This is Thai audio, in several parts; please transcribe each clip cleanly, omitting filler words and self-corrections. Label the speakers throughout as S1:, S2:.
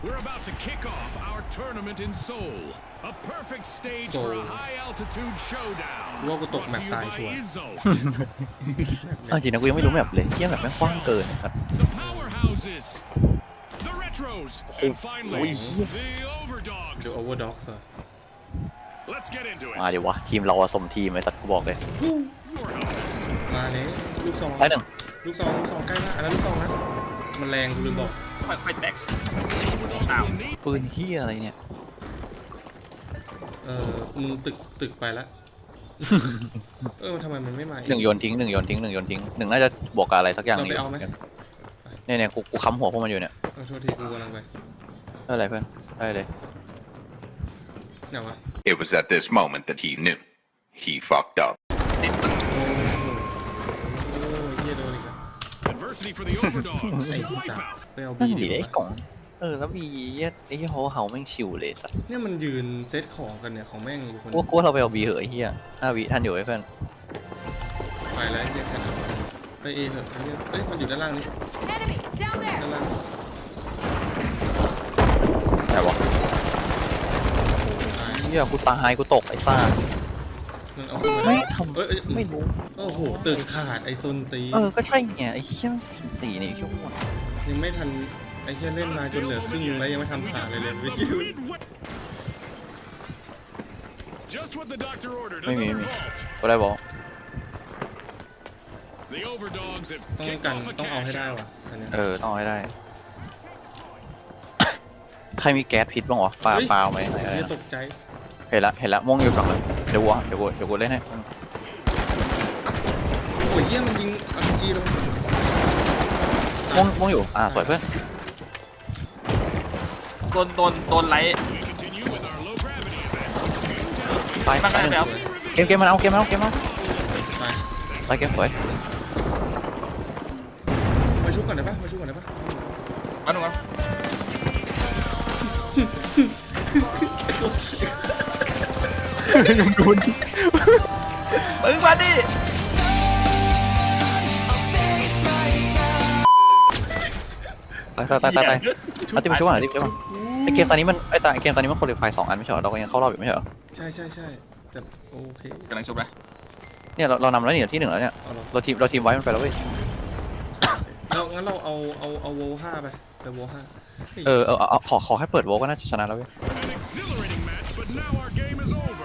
S1: We're about to kick off our tournament in Seoul. A perfect stage for a high altitude showdown.
S2: ว่ากูตกแมปตายชัวร์
S3: จริงนะกูยังไม่รู้แมปเลยเที่ยแมปแม่งกว้างเกินครับ
S1: The powerhouses, the retros, and finally the overdogs.
S2: The Overdogs เหรอ
S1: Let's get into it.
S3: มาเดี๋ยววะทีมเราอะสมทีมไอ้สัตว์กูบอกเลย
S1: Powerhouses.
S2: มาเลยลูกซอง
S3: ไปหนึ่ง
S2: ลูกซองใกล้ละอันนั้นลูกซองนะมันแรงกูลืมบอก
S4: ค่อยๆแตก
S1: Overdogs will need
S3: ปืนเฮียอะไรเนี่ย
S2: มึงตึกไปละ ทำไมมันไม่มาอีก
S3: หนึ่งโยนทิ้งหนึ่งโยนทิ้งหนึ่งโยนทิ้งหนึ่งน่าจะบวกกับอะไรสักอย่าง
S2: เรา
S3: หนึ
S2: ไป
S3: ง
S2: เอาไหม
S3: เนี่ยกูค้ำหัวพวกมันอยู่เนี่ย
S2: โทษทีกูกำลังไป
S3: ได้อะไรเพื่อนได้เลย
S2: ไหนวะ
S5: It was at this moment that he knew. He fucked up.
S2: โอ้ยเหี้ยโดนอีกแล้ว
S1: adversity for the overdogs.
S2: ไอ้สัส
S1: Wipeout.
S2: ไปเอา
S3: นั่
S2: บี
S3: น
S2: ดี
S3: ดิ
S2: ก
S3: ไอ้
S2: ว่าก
S3: ล่องแล้วมีไอ้เหี้ยเฮาแม่งชิวเลยสัตว์
S2: เนี่ยมันยืนเซตของกันเนี่ยของแม่งอยู่คน
S3: กูว่าเราไปเอาบีเหอะไอ้เหี้ย5 วิทันอยู่ไอ้เพื่อน
S2: ไปแล้วไอ้เหี้ยแค่นั้นไปเอเถอะไอ้เหี้ยเอ้ยมันอยู่ด้านล่างนี่
S6: Enemy down there.
S2: ด้านล่าง
S3: แต่วะ
S2: ตาย
S3: เหี้ยกูตายกูตกไอ้ซ่า
S2: มันเอาขึ้นมา
S3: ไม่
S2: ได้
S3: ทำ
S2: เอ้ย
S3: ไม่รู้
S2: โอ้โหตึกขาดไอ้ซุนตี
S3: ก็ใช่ไงไอ้เหี้ยตีนี่ชั่วโมง
S2: ยังไม่ทันไอ้เหี้ยเล่นมาจนเหลือครึ่งนึงแล้วยังไม่ทำขาดเลยเลย
S1: That's
S2: ไม่
S1: the
S2: คิว
S1: midway. Just what the doctor ordered.
S3: ไม่มี
S1: Another
S3: ไม่มี
S1: vault.
S3: ก็ได้บอก
S1: The overdogs have
S2: ต้อง
S1: kicked
S2: กัน
S1: off a
S2: ต้องเอาให้
S1: cash
S2: ได้
S1: out.
S2: ว่ะอันเนี้ย
S3: ต้องให้ได้ ใครมีแก๊สพิษบ้างวะปลา
S2: เฮ้ย
S3: เปล่าไหมอะไร
S2: เหี้ย
S3: นะ
S2: ตกใจ
S3: เห็นละม่วงอยู่ฝั่งเลยเดี๋ยวกูเล่นให้
S2: โอ้ยเหี้ยมันยิงอาร์จีลง
S3: ม่วงอยู่สวยเพื่อน
S4: โดนไลท์
S1: We continue with our low gravity event.
S3: ไป
S4: มันก็ได้แล้ว
S3: เกมมันเอา
S2: ไป
S3: ไปเกมสวย
S2: มาชุบก่อนได้ปะมาชุบก่อนได้ปะ
S4: มาหนุ่ม
S3: ยังดูน
S4: มึงมาดิ
S3: ตายเอาที่มาช่วยหน่อยที่มาช่วยไอเกมตอนนี้มันเกมตอนนี้มันโคลิฟาย2 อันไม่ใช่เหรอเราก็ยังเข้ารอบอยู่ไม่ใช่เหรอ
S2: ใช่แต่โอเค
S4: กำลังชุบนะ
S3: เนี่ยเรานำแล้วเนี่ยที่ 1แล้วเนี่ย
S2: เอาลง
S3: เราทีมไว้มันไปแล้วเว้ย
S2: งั้นเราเอาโวห้าไปแต่โวห้า
S3: ขอให้เปิดโวก็น่าจะชนะแล้วเว้ย
S1: An exhilarating match, but now our game is over.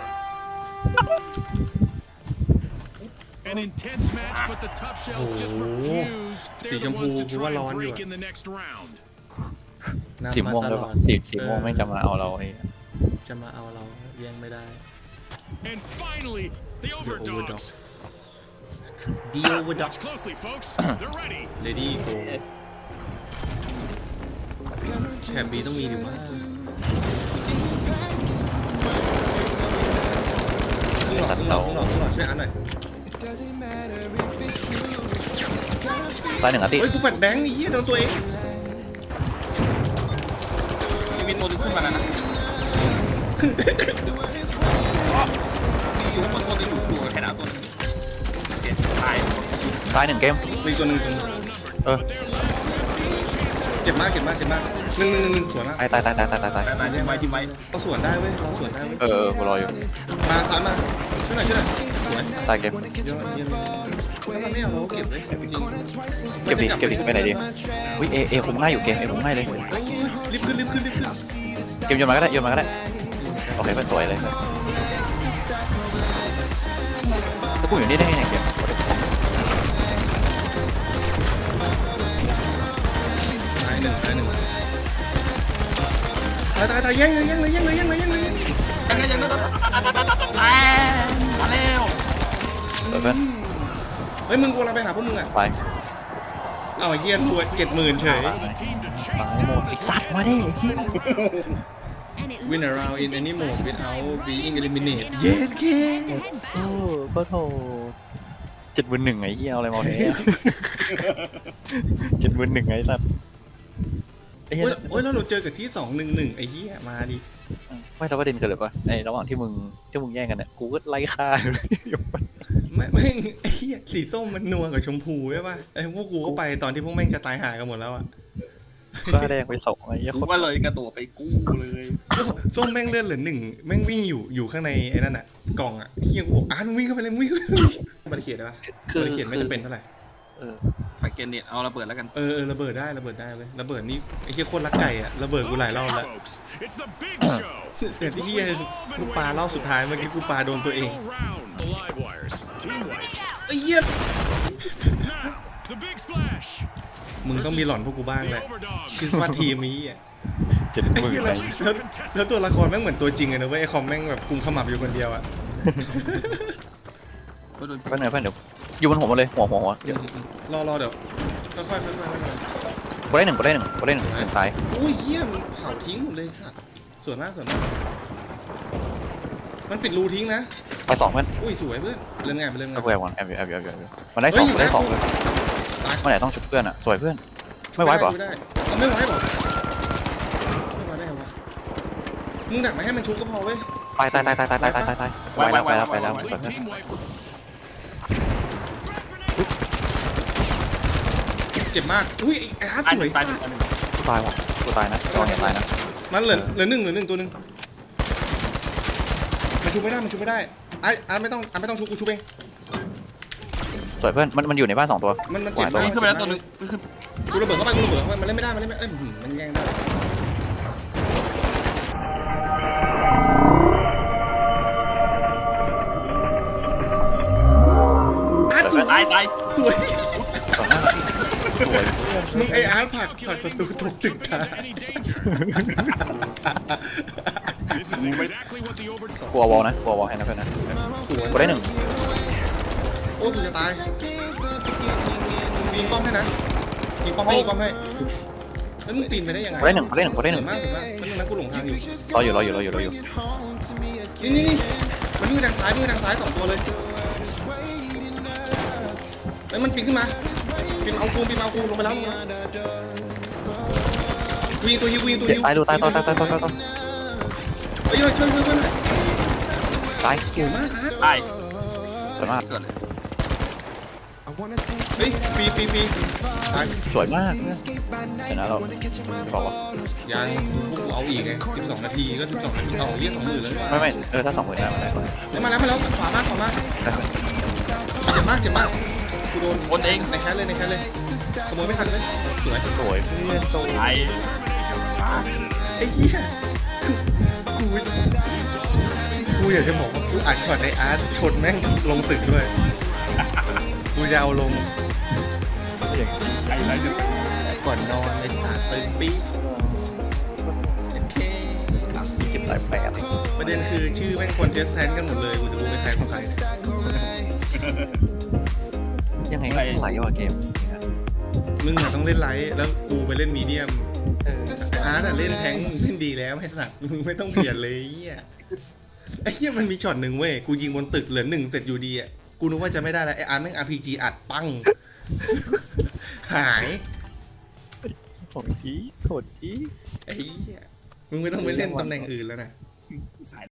S1: An intense match, but the tough shells just refuse. They're the ones to try and break in the next round.
S3: สีม่วงด้วยป่ะสีม่วงไม่จะมาเอาเราไอ้
S2: จะมาเอาเราแย่งไม่ได้
S1: And finally, the
S2: The
S1: overdogs.
S2: Overdogs The
S1: Watch
S2: Overdogs
S1: closely, folks. They're ready.
S2: Ready go แถบบีต้องมีดิว่าข้างหลอดช่วยอันหน่อย
S3: ตาย1 อาทิตย์
S2: เฮ้ยกูแฟดแบงค์ไอ้เหี้ยโดนตัวเอง
S4: มีตัวนึงขึ้นมาแล้วนะอยู่บนตัวนึงอยู่แค่หนาวตัวนึงโอเคตาย
S3: 1 เกม
S2: มีตัวหนึ่ง เจ็บมากหนึ่งสวนมาก
S3: ตาย
S4: ตายทีมไว้
S2: เราสวนได้เว้ยเราสวนได้เว้ย
S3: กูรออยู่
S2: มาซ้ายมาช่วยหน่อยสวย
S3: ตายเกม
S2: เยอะเยี่ยมเราไม่เอาเราเก็บเลยจริง
S3: เก็บดิไปไหนดีวิเอคุมง่ายอยู่เกมคุมง่ายเลย
S2: รีบขึ้น
S3: เกมโยนมาก็ได้โอเคเป็นสวยเลยแล้วกูอยู่นี่ได้ไงเนี่ยเกม
S2: ตายหนึ่งตายแย่งเลย
S4: ยังไงยังไงมาแล้ว
S3: สวยเพื่อน
S2: เฮ้ยมึงกูเราไปหาพวกมึงอ่ะ
S3: ไป
S2: เอาเฮียตัว70,000เฉย
S1: For the team to
S3: ตา
S1: chase
S3: ยหมดไอ้สัตว์มาดิ
S6: And it
S2: Win
S6: looks like
S2: around in
S6: the
S2: any
S6: best
S2: mode
S6: fight
S2: without
S6: player
S2: being
S6: will
S2: eliminated
S6: be
S2: เย็ดเค
S6: to head
S3: โอ้
S6: back.
S3: ก็โถ71ไอ้เหี้ยเอาอะไรมาแพ้71ไอ้สัตว์ไอ้เหี้ย
S2: โอ้ยแล้วเราเจอกับที่211ไอ้เหี้ยมาดิ
S3: ไม่แต่ประเด็นเกิดเลยปะในระหว่างที่มึงแย่งกันเนี่ยกูก็ไล่ฆ่าอยู่เลย
S2: ไม่ไอ้เหี้ยสีส้มมันนัวกับชมพูใช่ป่ะไอ้พวกกูก็ไปตอนที่พวกแม่งจะตายหากันหมดแล้วอ่ะ
S3: ก็แดงไปส่งไอ้เหี้ย
S4: กู
S3: คน
S4: ก็เลยกระโดดไปกู้เลย
S2: ส้มแม่งเลือดเหลือหนึ่งแม่งวิ่งอยู่ข้างในไอ้นั่นอ่ะกล่องอ่ะเฮียกูบอกมึงวิ่งเข้าไปเลยมึงวิ่งเข้าไปเลยบาริเคดได้ปะบาริเคดไม่จะเป็นเท่าไหร่
S4: ไฟเกนเน็ตเอาระเบิดแล้วกัน
S2: ระเบิดได้เลยระเบิดนี่ไอ้เฮียโคตรรักไก่อ่ะระเบิดกูหลายรอบแล้ว
S1: Folks, it's the big show.
S2: แต่ที่เฮียกูปาเล่าสุดท้ายเมื่อกี้กูปาโดนตัวเอง
S1: All round the live wires. Team white.
S2: ไอ้เหี้ย
S1: Now, the big splash.
S2: มึงต้องมีหลอนพวกกูบ้างแหละ
S1: The overdog.
S2: คิดว่าทีมนี้อ่ะ
S3: เจ็ด
S2: ไอ้
S3: หมื่น
S2: เหี้ย
S3: ไป
S2: แล้วตัวละครแม่งเหมือนตัวจริงเลยนะเว้ยไอ้คอมแม่งแบบกุมขมับอยู่คนเดียวอ่ะ
S4: ก็โดน
S3: เพื่อนเดี๋ยวอยู่บนหัวมาเลยหัวเดี๋ยว
S2: รอเดี๋ยวค่อยๆ
S3: กูได้หนึ่งซ้าย
S2: อุ้ยเหี้ยมันเผาทิ้งหมดเลยสัตว์สวยมากมันปิดรูทิ้งนะ
S3: ไปสองเพื่อน
S2: อุ้ยสวยเพื่อนเรื่องไงไปเรื่องไง
S3: แอบก่อนแอบมันได้สองเลย
S2: ตาย
S3: เมื่อไหร่ต้องชุบเพื่อนอ่ะสวยเพื่อนไม่ไหวป่ะ
S2: ไม่ได้ไม่ไหวได้ไงวะมึงดักไม่ให้มันชุบก็พอเว้ย
S3: ตายไวแล้ว
S1: Complete team white.
S2: เจ็บมากอุ้ยไอ้อาร์ตสวย
S4: ตาย
S2: สัส
S3: กูตายว่ะกูตายนะตายนะ
S2: มันเหลือหนึ่งตัวหนึ่งมันชุบไม่ได้ไอ้อาร์ตไม่ต้องชุบกูชุบเอง
S3: สวยเพื่อนมันอยู่ในบ้านสองตัว
S2: มันเจ็บมาก
S4: ขึ้นไปแล้วตัวนึงขึ้น
S2: กูระเบิดเข้าไปมันเล่นไม่ได้มันแย่งได้อาร์ตสวย
S4: ตาย
S2: สวย
S3: สวยมากสวย
S2: มึงไออาร์ตผลักศัตรูตกตึกตาย
S1: Any danger. This is exactly what the overdog.
S3: กลัววอลนะให้นะเพื่อนนะกูได้หนึ่ง
S2: โอ้ยกูจะตายยิงป้อมให้นะยิงป้อมให้แล้วมึงปีนไปได้ยังไง
S3: กูได้หนึ่ง
S2: สวยมากมันกูหลงทางอยู่
S3: รออยู่
S2: นี่มันมือทางซ้าย2ตัวเลยแล้วมันปีนขึ้นมาปีนเอากูลงไปแล้วกูยิงตัวฮิว
S3: ตายเ
S2: ฮ้ยช่วยหน่อย
S3: ตาย
S2: เก่งมากอาร์ต
S4: ตาย
S3: สวยมาก
S4: เกิดเลย
S2: เฮ้ยปีตาย
S3: สวยมากเห็นนะเราบอกว่า
S2: ยังพวกกูเอาอีกไง12 นาทีก็12 นาทีเอาเรียก20,000เลย
S3: ไม่ถ้า20,000ได้มาได้
S2: มาแล้วขวามากเจ็บมากกูโดน
S4: คนเอง
S2: ในแคสเลยขโมยไม่ทันเลยสวย
S3: สวยเพื่อนโต
S4: ตาย
S2: ไอ้เหี้ยกูอยากจะบอกว่ากูอัดช็อตในอาร์ตชนแม่งลงตึกด้วยกูจะเอาลง
S4: ตาย
S2: ก่อนนอนไอ้สารตึงปี๊ดโอเค
S3: เก็บสายแปด
S2: ประเด็นคือชื่อแม่งคนเทสแซนกันหมดเลยกูจะรู้เป็นใครของใคร
S3: ยังไงก็ไหลว่ะเกม
S2: มึงอะต้องเล่นไลท์แล้วกูไปเล่นมีเดียมอาร์ตอะเล่นแทงค์เล่นดีแล้วให้สัตว์มึงไม่ต้องเปลี่ยนเลยไอ้เหี้ยมันมีช็อตหนึ่งเว้ยกูยิงบนตึกเหลือ1เสร็จอยู่ดีอะกูนึกว่าจะไม่ได้แล้วไอ้อาร์ตแม่ง RPG อัดปังหาย
S3: โหดที
S2: ไอ้เหี้ยมึงไม่ต้องไปเล่นตำแหน่งอื่นแล้วนะ
S4: สาย